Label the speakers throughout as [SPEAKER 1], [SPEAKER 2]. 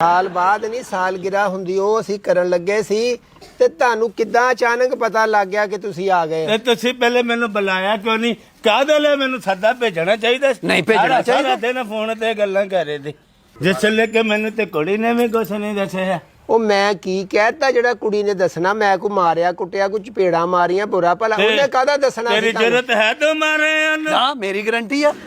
[SPEAKER 1] ਸਾਲ ਬਾਅਦ ਨਹੀਂ ਸਾਲਗਿਰਾ ਹੁੰਦੀ ਉਹ ਅਸੀਂ ਕਰਨ ਲੱਗੇ ਸੀ ਤੇ ਤੁਹਾਨੂੰ ਕਿੱਦਾਂ ਅਚਾਨਕ ਪਤਾ ਲੱਗ ਗਿਆ ਕਿ ਤੁਸੀਂ ਆ ਗਏ
[SPEAKER 2] ਤੇ ਤੁਸੀਂ ਪਹਿਲੇ ਮੈਨੂੰ ਬੁਲਾਇਆ ਕਿਉਂ ਨਹੀਂ? ਕਾਹਦੇ ਲਈ ਮੈਨੂੰ ਸੱਦਾ ਭੇਜਣਾ ਚਾਹੀਦਾ?
[SPEAKER 1] ਨਹੀਂ ਭੇਜਣਾ ਚਾਹੀਦਾ।
[SPEAKER 2] ਸਾਰਾ ਦਿਨ ਫੋਨ ਤੇ ਗੱਲਾਂ ਕਰ ਰਹੇ ਸੀ ਜਿਸ ਲੈ ਕੇ ਮੈਨੂੰ ਤੇ ਕੁੜੀ ਨੇ ਵੀ ਕੁਛ ਨਹੀਂ ਦੱਸਿਆ।
[SPEAKER 1] ਉਹ ਮੈਂ ਕੀ ਕਹਿਤਾ ਜਿਹੜਾ ਕੁੜੀ ਨੇ ਦੱਸਣਾ? ਮੈਂ ਕੋ ਮਾਰਿਆ ਕੁੱਟਿਆ ਕੁਝ ਚਪੇੜਾਂ ਮਾਰੀਆਂ ਬੁਰਾ ਭਲਾ ਉਹਨੇ ਕਾਹਦਾ ਦੱਸਣਾ?
[SPEAKER 2] ਤੇਰੀ ਜ਼ਰੂਰਤ ਹੈ ਤੂੰ ਮਾਰੇ ਉਹਨੂੰ?
[SPEAKER 3] ਨਾ ਮੇਰੀ ਗਾਰੰਟੀ ਆ।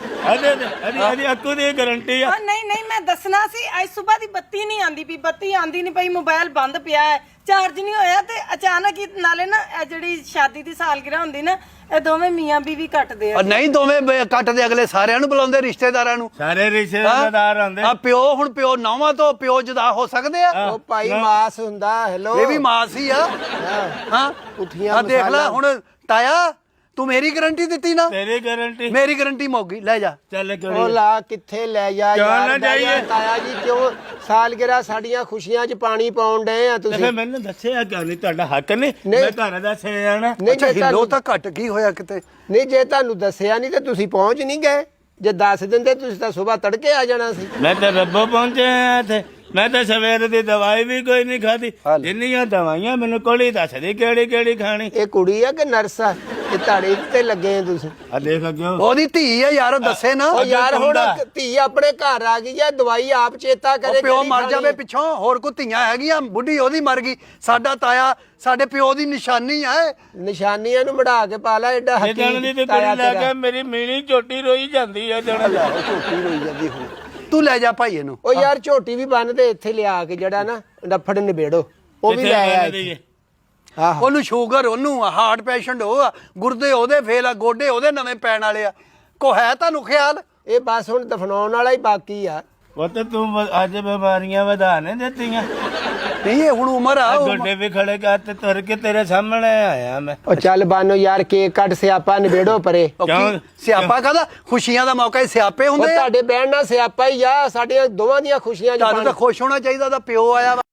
[SPEAKER 2] ਅਰੇ ਅੱਕੂ ਦੀ ਗਾਰੰਟੀ ਆ।
[SPEAKER 4] ਨਹੀਂ ਮੈਂ ਦੱਸਣਾ ਸੀ ਅੱਜ ਸਵੇਰ ਦੀ ਬੱਤੀ ਨਹੀਂ ਆਂਦੀ ਪਈ, ਬੱਤੀ ਆਂਦੀ ਨਹੀਂ ਪਈ, ਮੋਬਾਈਲ ਬੰਦ ਪਿਆ ਹੈ, ਚਾਰਜ ਨਹੀਂ ਹੋਇਆ ਤੇ ਅਚਾਨਕ ਹੀ ਨਾਲੇ ਨਾ ਇਹ ਜਿਹੜੀ ਸ਼ਾਦੀ ਦੀ ਸਾਲਗਿਰਾ ਹੁੰਦੀ ਨਾ ਇਹ ਦੋਵੇਂ ਮੀਆਂ ਬੀਵੀ ਕੱਟਦੇ ਆ।
[SPEAKER 3] ਨਹੀਂ ਦੋਵੇਂ ਕੱਟਦੇ, ਅਗਲੇ ਸਾਰਿਆਂ ਨੂੰ ਬੁਲਾਉਂਦੇ ਰਿਸ਼ਤੇਦਾਰਾਂ ਨੂੰ।
[SPEAKER 2] ਸਾਰੇ ਰਿਸ਼ਤੇਦਾਰ ਆਉਂਦੇ
[SPEAKER 3] ਆ ਪਿਓ ਹੁਣ ਪਿਓ ਨੌਵਾਂ ਤੋਂ ਪਿਓ ਜੁਦਾ ਹੋ ਸਕਦੇ ਆ?
[SPEAKER 1] ਉਹ ਭਾਈ ਮਾਸ ਹੁੰਦਾ। ਹੈਲੋ
[SPEAKER 3] ਇਹ ਵੀ ਮਾਸ ਹੀ ਆ। ਹਾਂ
[SPEAKER 1] ਉਠੀਆਂ
[SPEAKER 3] ਆ ਦੇਖ ਲੈ ਹੁਣ ਤਾਇਆ ਤੂੰ ਮੇਰੀ ਗਾਰੰਟੀ ਦਿੱਤੀ ਨਾ।
[SPEAKER 2] ਤੇਰੀ ਗਾਰੰਟੀ
[SPEAKER 3] ਮੇਰੀ ਗਾਰੰਟੀ ਮੁੱਕ ਗਈ, ਲੈ ਜਾ।
[SPEAKER 2] ਚੱਲ ਕਿਉਂ
[SPEAKER 1] ਉਹ ਲਾ ਕਿੱਥੇ ਲੈ ਜਾ
[SPEAKER 2] ਕਿਉਂ
[SPEAKER 1] ਯਾਰ?
[SPEAKER 2] ਨਾ ਜਾਈਏ?
[SPEAKER 1] ਤਾਇਆ ਜੀ ਕਿਉਂ ਸਾਲਗਿਰਾ ਸਾਡੀਆਂ ਖੁਸ਼ੀਆਂ 'ਚ ਪਾਣੀ ਪਾਉਣ ਡਏ ਆ
[SPEAKER 2] ਤੇ
[SPEAKER 1] ਤੁਸੀਂ?
[SPEAKER 2] ਫਿਰ ਮੈਨੂੰ ਦੱਸਿਆ ਕਿਉਂ ਨਹੀਂ? ਤੁਹਾਡਾ ਹੱਕ ਨਹੀਂ
[SPEAKER 1] ਨਹੀਂ।
[SPEAKER 2] ਮੈਂ ਘਰ ਦੱਸਿਆ ਜਾਣਾ।
[SPEAKER 1] ਨਹੀਂ
[SPEAKER 3] ਅੱਛਾ
[SPEAKER 1] ਜੇ
[SPEAKER 3] ਹਿੱਲੋ
[SPEAKER 1] ਤੁਹਾਨੂੰ
[SPEAKER 3] ਤਾਂ ਘਟ ਕੀ ਹੋਇਆ ਕਿਤੇ?
[SPEAKER 1] ਨਹੀਂ ਜੇ ਤੁਹਾਨੂੰ ਦੱਸਿਆ ਨਹੀਂ ਤੇ ਤੁਸੀਂ ਪਹੁੰਚ ਨਹੀਂ ਗਏ। ਜੇ ਦੱਸ ਦਿੰਦੇ ਤੁਸੀਂ ਤਾਂ ਸਵੇਰ ਤੜਕੇ ਆ ਜਾਣਾ ਸੀ।
[SPEAKER 2] ਮੈਂ ਤਾਂ ਰੱਬੋਂ ਪਹੁੰਚਿਆ ਇੱਥੇ। ਮੈਂ ਤਾਂ ਸਵੇਰ ਦੀ ਦਵਾਈ ਵੀ ਕੋਈ ਨਹੀਂ ਖਾਦੀ। ਜਿੰਨੀਆਂ ਦਵਾਈਆਂ ਮੈਨੂੰ ਕੋਲੀ ਦੱਸਦੀ ਕਿਹੜੀ ਕਿਹੜੀ ਖਾਣੀ।
[SPEAKER 1] ਇਹ ਕੁੜੀ ਆ ਕਿ ਨਰਸ ਆ? ਇਹ ਤੁਹਾਡੇ ਤੇ ਲੱਗੇ ਆ ਤੁਸੀਂ।
[SPEAKER 2] ਆ ਦੇਖ ਲੱਗਿਓ
[SPEAKER 3] ਉਹਦੀ ਧੀ ਆ ਯਾਰ, ਉਹ ਦੱਸੇ ਨਾ।
[SPEAKER 1] ਉਹ ਯਾਰ ਹੁਣ
[SPEAKER 2] ਹੁੰਦਾ।
[SPEAKER 1] ਧੀ ਆਪਣੇ ਘਰ ਆ ਗਈ ਆ, ਦਵਾਈ ਆਪ ਚੇਤਾ ਕਰੇ।
[SPEAKER 3] ਉਹ ਪਿਓ
[SPEAKER 1] ਕਿਹੜੀ
[SPEAKER 3] ਮਰ
[SPEAKER 1] ਖਾਣੀ
[SPEAKER 3] ਜਾਵੇ
[SPEAKER 1] ਆ।
[SPEAKER 3] ਪਿੱਛੋਂ, ਹੋਰ ਕੋਈ ਧੀਆਂ ਹੈਗੀਆਂ? ਬੁੱਢੀ ਉਹਦੀ ਮਰ ਗਈ, ਸਾਡਾ ਤਾਇਆ ਸਾਡੇ ਪਿਓ ਦੀ ਨਿਸ਼ਾਨੀ ਆ।
[SPEAKER 1] ਨਿਸ਼ਾਨੀਆਂ ਨੂੰ ਮੜਾ ਕੇ ਪਾ ਲੈ ਐਡਾ
[SPEAKER 2] ਇਹ ਜਣ ਦੀ ਤੇ
[SPEAKER 1] ਤਾਇਆ
[SPEAKER 2] ਕੁੜੀ ਲੈ
[SPEAKER 1] ਤੇਰਾ।
[SPEAKER 2] ਕੇ ਮੇਰੀ ਮੀਣੀ ਝੋਟੀ ਰੋਈ ਜਾਂਦੀ ਆ ਜਣ ਦਾ।
[SPEAKER 1] ਝੋਟੀ ਰੋਈ ਜਾਂਦੀ ਹੁਣ।
[SPEAKER 3] ਤੂੰ ਲੈ ਜਾ ਭਾਈ ਇਹਨੂੰ।
[SPEAKER 1] ਉਹ ਯਾਰ ਝੋਟੀ ਵੀ ਬੰਨਦੇ ਇੱਥੇ ਲਿਆ ਕੇ ਜਿਹੜਾ ਨਾ ਡੱਫੜ ਨਿਬੇੜੋ ਉਹ ਵੀ ਲੈ ਆਇਆ ਇੱਥੇ। ਆਹੋ
[SPEAKER 3] ਉਹਨੂੰ ਸ਼ੂਗਰ, ਉਹਨੂੰ ਹਾਰਟ ਪੇਸ਼ੈਂਟ ਉਹ ਆ, ਗੁਰਦੇ ਉਹਦੇ ਫੇਲ ਆ, ਗੋਡੇ ਉਹਦੇ ਨਵੇਂ ਪੈਣ ਵਾਲੇ ਆ। ਕੋ ਹੈ ਤੁਹਾਨੂੰ ਖਿਆਲ?
[SPEAKER 1] ਇਹ ਬਸ ਹੁਣ ਦਫਨਾਉਣ ਵਾਲਾ ਹੀ ਬਾਕੀ ਆ।
[SPEAKER 2] ਉਹ ਤੇ ਤੂੰ ਅੱਜ ਬਿਮਾਰੀਆਂ ਵਧਾ ਨੇ ਦਿੱਤੀਆਂ।
[SPEAKER 3] ਨਹੀਂ ਇਹ ਹੁਣ ਉਮਰ ਆ।
[SPEAKER 2] ਗੋਡੇ ਵੀ ਖੜੇ ਕਰ ਤੇ ਤੁਰ ਕੇ ਤੇਰੇ ਸਾਹਮਣੇ ਆਇਆ ਮੈਂ।
[SPEAKER 1] ਉਹ ਚੱਲ ਬਾਨੋ ਯਾਰ ਕੇਕ ਕੱਟ ਸਿਆਪਾ ਨਿਬੇੜੋ ਪਰੇ।
[SPEAKER 3] ਉਹ
[SPEAKER 2] ਕਿਉਂ?
[SPEAKER 3] ਕੀ ਸਿਆਪਾ ਕਾਹਦਾ? ਖੁਸ਼ੀਆਂ ਦਾ ਮੌਕਾ ਹੀ ਸਿਆਪੇ
[SPEAKER 1] ਉਹ
[SPEAKER 3] ਹੁੰਦੇ ਆ।
[SPEAKER 1] ਤੁਹਾਡੇ ਬਹਿਣ ਨਾਲ ਸਿਆਪਾ ਹੀ ਆ, ਸਾਡੀਆਂ ਦੋਵਾਂ ਦੀਆਂ ਖੁਸ਼ੀਆਂ 'ਚ
[SPEAKER 3] ਤੁਹਾਨੂੰ ਤਾਂ
[SPEAKER 1] ਪਾਣੀ।
[SPEAKER 3] ਖੁਸ਼ ਹੋਣਾ ਚਾਹੀਦਾ, ਉਹਦਾ ਪਿਓ ਆਇਆ ਵਾ।